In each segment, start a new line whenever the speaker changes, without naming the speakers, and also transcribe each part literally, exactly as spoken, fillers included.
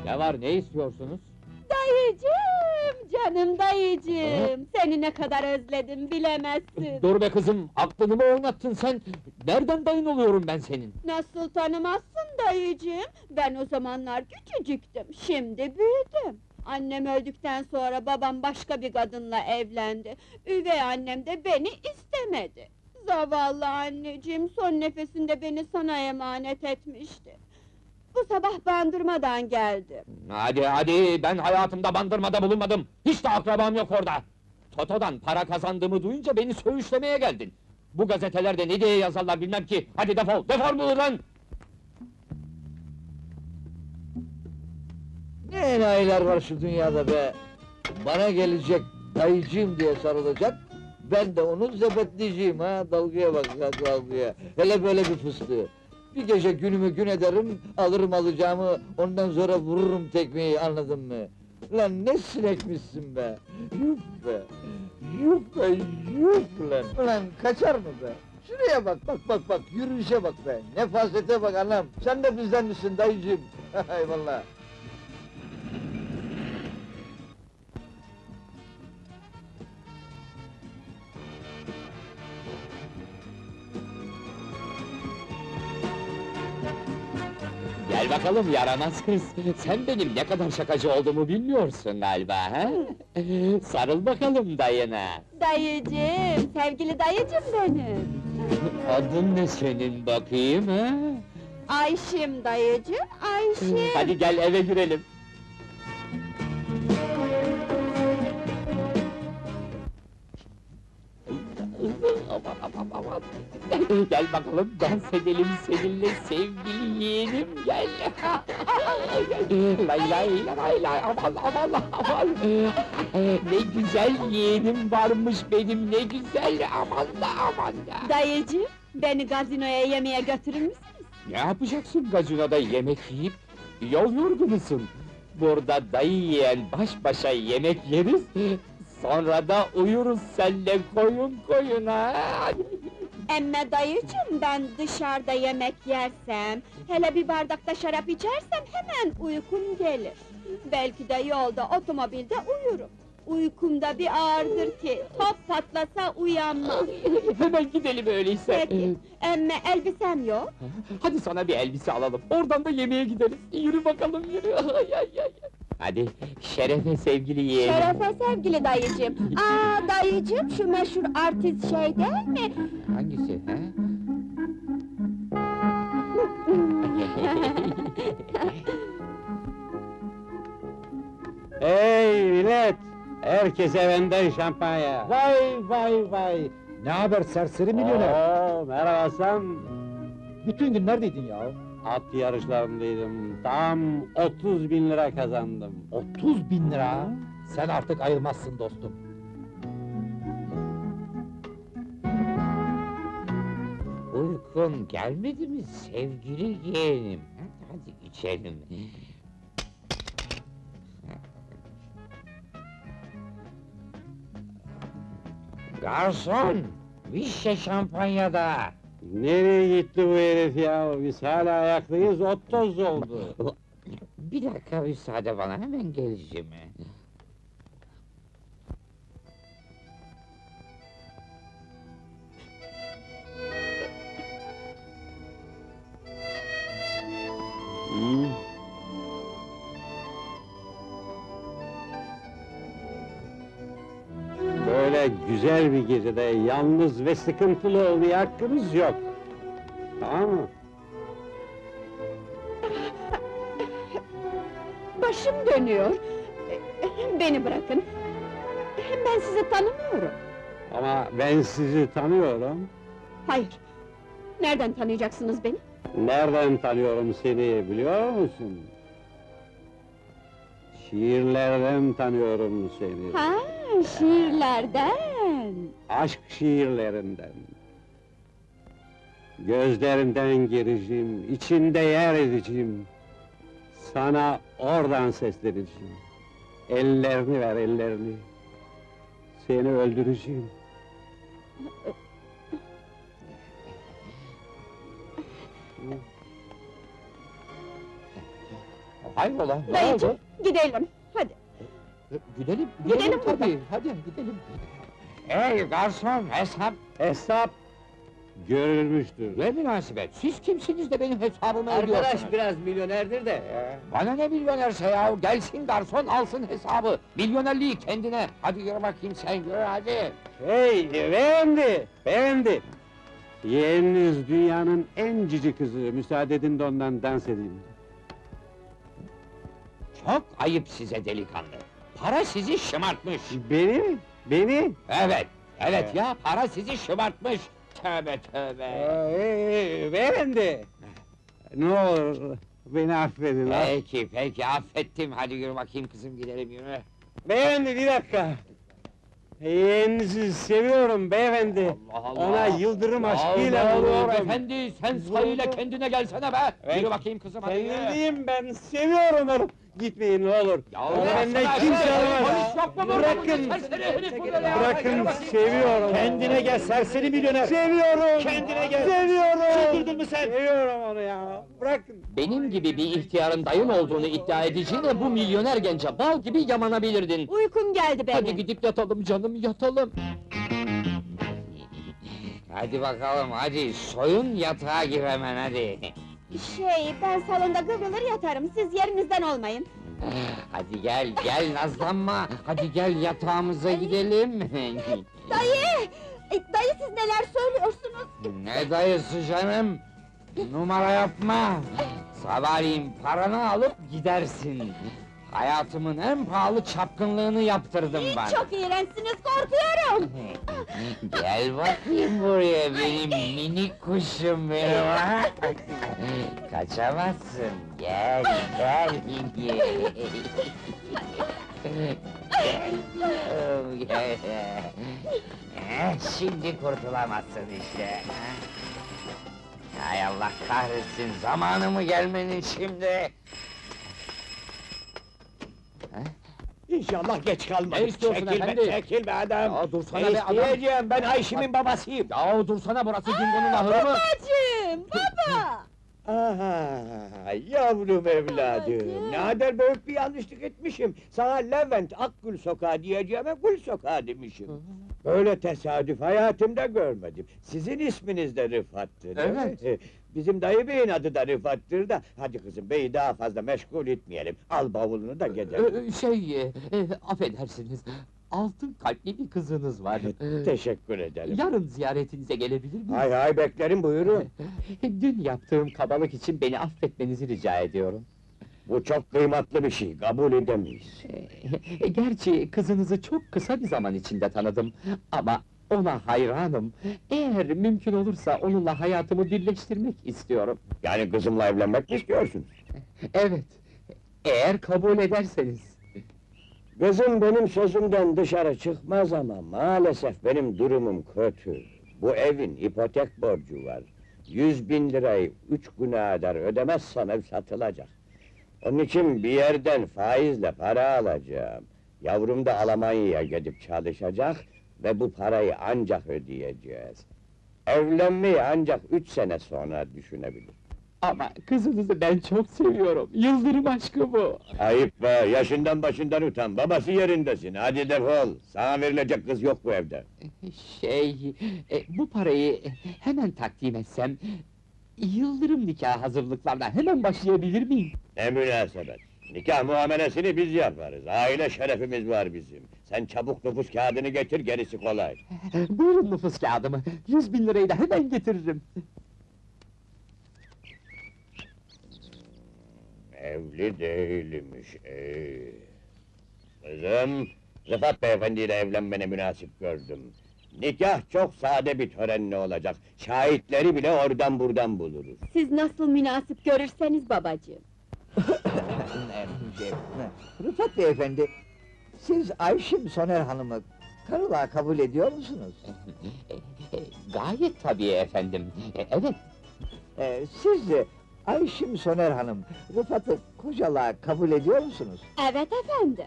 Ne var, ne istiyorsunuz?
Dayıcığım, canım dayıcığım! Seni ne kadar özledim, bilemezsin!
Dur be kızım, aklını mı oynattın sen? Nereden dayın oluyorum ben senin?
Nasıl tanımazsın dayıcığım? Ben o zamanlar küçücüktüm, şimdi büyüdüm! Annem öldükten sonra babam başka bir kadınla evlendi. Üvey annem de beni istemedi. Zavallı anneciğim, son nefesinde beni sana emanet etmişti. Bu sabah bandırmadan geldim.
Hadi hadi, ben hayatımda bandırmada bulunmadım! Hiç de akrabam yok orada! Toto'dan para kazandığımı duyunca beni söğüşlemeye geldin! Bu gazetelerde ne diye yazarlar bilmem ki! Hadi defol, defol buradan!
Ne enayiler var şu dünyada be! Bana gelecek, dayıcığım diye sarılacak, ben de onun zebetleyeceğim ha, dalgaya bak ya, dalgaya! Hele böyle bir fıstığı! Bir gece günümü gün ederim, alırım alacağımı, ondan sonra vururum tekmeyi, anladın mı? Lan ne sinekmişsin be! Yuh be! Yuh be, yuh lan! Ulan kaçar mı be? Şuraya bak, bak bak bak, yürüyüşe bak be! Nefasete bak anam! Sen de bizden misin dayıcığım? Eyvallah!
Gel bakalım yaramaz kız! Sen benim ne kadar şakacı olduğumu bilmiyorsun galiba, ha? Sarıl bakalım dayına!
Dayıcığım, sevgili dayıcım benim!
Adın ne senin bakayım, ha?
Ayşim dayıcığım, Ayşim!
Hadi gel eve girelim! Aman aman aman! Gel bakalım, dans edelim seninle sevgili yeğenim, gel! Lay lay lay lay, aman aman aman! Ne güzel yeğenim varmış benim, ne güzel, aman da aman da!
Dayıcığım, beni gazinoya yemeğe götürür müsünüz?
Ne yapacaksın gazinoda yemek yiyip? Yol yorgunusun! Burada dayı yiyen baş başa yemek yeriz, sonra da uyuruz senle koyun koyuna!
Emme dayıcığım, ben dışarıda yemek yersem, hele bir bardakta şarap içersem hemen uykum gelir. Belki de yolda, otomobilde uyurum. Uykumda bir ağırdır ki, top patlasa uyanmam.
Hemen gidelim öyleyse!
Peki, emme elbisem yok.
Hadi sana bir elbise alalım, oradan da yemeğe gideriz! Yürü bakalım, yürü! Ay, ay, ay, ay. Hadi, şerefe sevgili yeğenim!
Şerefe sevgili dayıcığım! Aa dayıcığım, şu meşhur artist şey değil mi?
Hangisi, he?
Hey millet! Herkese benden şampanya!
Vay vay vay! Ne haber serseri milyoner?
Oo, merhaba Hasan!
Bütün gün neredeydin ya?
At yarışlarındaydım, tam otuz bin lira kazandım.
otuz bin lira! Sen artık ayılmazsın dostum.
Uykun gelmedi mi sevgili yeğenim? Hadi içelim! Garson! Bir şişe şampanyada!
Nereye gitti bu herif ya? Biz hala ayaklıyız, ot toz oldu.
Bir dakika müsaade bana, hemen geleceğim.
Hı? Böyle güzel bir gecede yalnız ve sıkıntılı olmaya hakkımız yok. Tamam mı?
Başım dönüyor. Beni bırakın. Ben sizi tanımıyorum.
Ama ben sizi tanıyorum.
Hayır. Nereden tanıyacaksınız beni?
Nereden tanıyorum seni biliyor musun? Şiirlerden tanıyorum seni.
Ha, şiirlerden.
Aşk şiirlerinden. Gözlerinden gireceğim, içinde yer edeceğim. Sana oradan sesleneceğim. Ellerini ver, ellerini. Seni öldüreceğim.
Hayrola, ne
Dayıcım,
oldu?
gidelim, hadi.
Gidelim,
Gidelim
gidelim
buradan.
tabii, hadi gidelim. Hey garson, hesap!
Hesap görülmüştür.
Ne münasebet, siz kimsiniz de benim hesabımı ödüyorsunuz?
Arkadaş biraz milyonerdir de.
Bana ne milyonerse ya, gelsin garson alsın hesabı! Milyonerliği kendine, hadi yürü bakayım sen, yürü hadi!
Hey beyefendi, beyefendi! Yeğeniniz dünyanın en cici kızı, müsaade edin de ondan dans edeyim.
Çok ayıp size delikanlı! Para sizi şımartmış!
Beni mi? Beni?
Evet, evet ya, para sizi şımartmış! Tövbe tövbe!
Hey, beyefendi! Ne olur, beni affedin ha!
Peki, peki, affettim, hadi yürü bakayım kızım, gidelim yürü!
Beyefendi bir dakika! Yeğeninizi seviyorum beyefendi!
Allah Allah!
Ona yıldırım
Ya
aşkıyla
ne olur
vuruldum!
efendi, sen sayıyla kendine gelsene be!
Evet.
Yürü bakayım kızım, hadi yürü!
Kendimdeyim ben, seviyorum onu! Gitmeyin ne olur!
Ya
Onu
bırak
benden
sana,
kimse
hey,
alamaz!
polis yok mu burada?
Bırakın!
Serseri herif burada ya! Yürü
Bırakın,
bakayım.
seviyorum!
Kendine gel serseri milyoner!
Seviyorum!
Kendine gel!
Seviyorum!
Çıldırdın mı sen?
Seviyorum onu ya! Bırakın!
Benim gibi bir ihtiyarın dayın olduğunu iddia edeceğine bu milyoner gence bal gibi yamanabilirdin!
Uykum geldi benim.
Hadi gidip yatalım canım, yatalım! Hadi bakalım, hadi soyun yatağa gir hemen hadi!
Şey, ben salonda kıvrılır yatarım, siz yerinizden olmayın.
Hadi gel, gel nazlanma! Hadi gel yatağımıza gidelim!
Dayı! E, dayı siz neler söylüyorsunuz?
Ne dayısı canım? Numara yapma! Sabahleyin paranı alıp gidersin! Hayatımın en pahalı çapkınlığını yaptırdın bana!
Çok iğrençsiniz, korkuyorum!
Gel bakayım buraya benim minik kuşum benim ha! Kaçamazsın, gel, gel! Gel, yavrum, gel! Eh, şimdi kurtulamazsın işte! Hay Allah kahretsin, zamanı mı gelmenin şimdi?
İnşallah geç kalmadık.
Ne istiyorsun
çekil
efendi?
Be, çekil be adam!
Ya dursana
Ne
be adam!
isteyeceğim, ben Ayşim'in babasıyım!
Yahu dursana, burası Dingo'nun ahırı mı?
Babacığım, baba!
Aha, yavrum evladım!
Babacığım.
Ne kadar büyük bir yanlışlık etmişim! Sana Levent Akgül Sokağı diyeceğime Gül Sokağı demişim! Böyle tesadüf hayatımda görmedim! Sizin isminiz de Rıfat'tır, değil
Evet.
mi? Bizim dayı beyin adı da Rıfat'tır da, hadi kızım beyi daha fazla meşgul etmeyelim, al bavulunu da gidelim!
Ee, şey, e, affedersiniz, altın kalpli bir kızınız var. Ee,
Teşekkür ederim!
Yarın ziyaretinize gelebilir miyim?
Hay hay beklerim buyurun!
Dün yaptığım kabalık için beni affetmenizi rica ediyorum.
Bu çok kıymetli bir şey, kabul edemeyiz!
Ee, Gerçi kızınızı çok kısa bir zaman içinde tanıdım ama ona hayranım. Eğer mümkün olursa onunla hayatımı birleştirmek istiyorum.
Yani kızımla evlenmek mi istiyorsun?
Evet, eğer kabul ederseniz.
Kızım benim sözümden dışarı çıkmaz ama maalesef benim durumum kötü. Bu evin ipotek borcu var. Yüz bin lirayı üç güne kadar ödemezsem ev satılacak. Onun için bir yerden faizle para alacağım. Yavrum da Almanya'ya gidip çalışacak ve bu parayı ancak ödeyeceğiz. Evlenmeyi ancak üç sene sonra düşünebilir.
Ama kızınızı ben çok seviyorum. Yıldırım aşkı bu.
Ayıp be, yaşından başından utan, babası yerindesin, hadi defol! Sana verilecek kız yok bu evde.
Şey, e, bu parayı hemen takdim etsem... ...Yıldırım nikah hazırlıklarına hemen başlayabilir miyim?
Ne münasebet! Nikah muamelesini biz yaparız, aile şerefimiz var bizim. Sen çabuk nüfus kağıdını getir, gerisi kolay.
Buyurun nüfus kağıdımı, yüz bin lirayı da hemen getiririm.
Evli değilmiş, ee. Kızım, Rıfat beyefendiyle evlenmene münasip gördüm. Nikah çok sade bir törenle olacak, şahitleri bile oradan buradan buluruz.
Siz nasıl münasip görürseniz babacığım.
Rıfat beyefendi, siz Ayşim Soner Hanım'ı karılığa kabul ediyor musunuz?
Gayet tabii efendim, e, evet.
Ee, siz de Ayşim Soner Hanım, Rıfat'ı kocalığa kabul ediyor musunuz?
Evet efendim.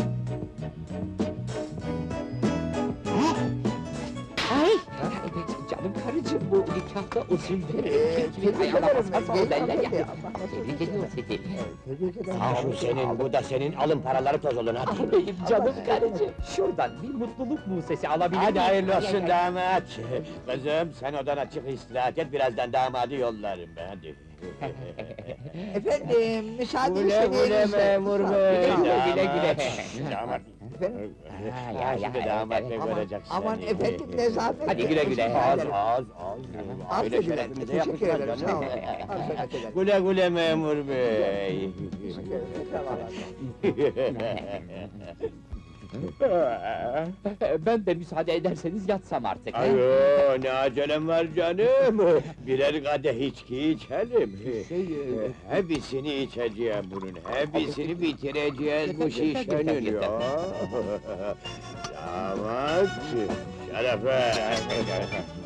Ay! Canım karıcığım, bu nikahta usulleri,
Ee,
kim kimin
tebrik
ayağına
ederim,
basarsa
ben
o derler ya.
geldim.
Tebrik ediyorum seni.
Tebrik ederim.
Al şu senin, bu da senin, alın paraları toz olun
Ah
hadi.
benim canım karıcığım, şuradan bir mutluluk musesi alabilir miyim?
Hadi hayırlı olsun
Ay, ay, ay.
damat. Kızım sen odana çık istirahat et, birazdan damadı yollarım ben hadi.
Efendim, müsaade
Güle güle
istediğinizde.
memur
Sağ-
bey.
Güle güle, güle güle.
Damat.
Efendim?
Ha,
Ha,
ya,
şimdi
ya,
damat
evet.
bey
Aman,
görecek seni.
aman efendim, nezaket.
Hadi güle güle.
Teşekkür
Az
ederim.
az az. Öyle
Affedin,
şerefimize
teşekkür
yakışmaz
ederim. Sağ
canım.
olun. Affedin, ederim.
Güle güle memur bey.
Teşekkür ederim. Tamam.
Ben de müsaade ederseniz yatsam artık. ha?
Ayo ne acelem var canım. Birer kadeh içki içelim.
Şey,
Ee, Hepsini içeceğim bunun, hepsini bitireceğiz bu
Yeter, yeter, yeter,
şişenin
yeter.
ya. Damat, şerefe.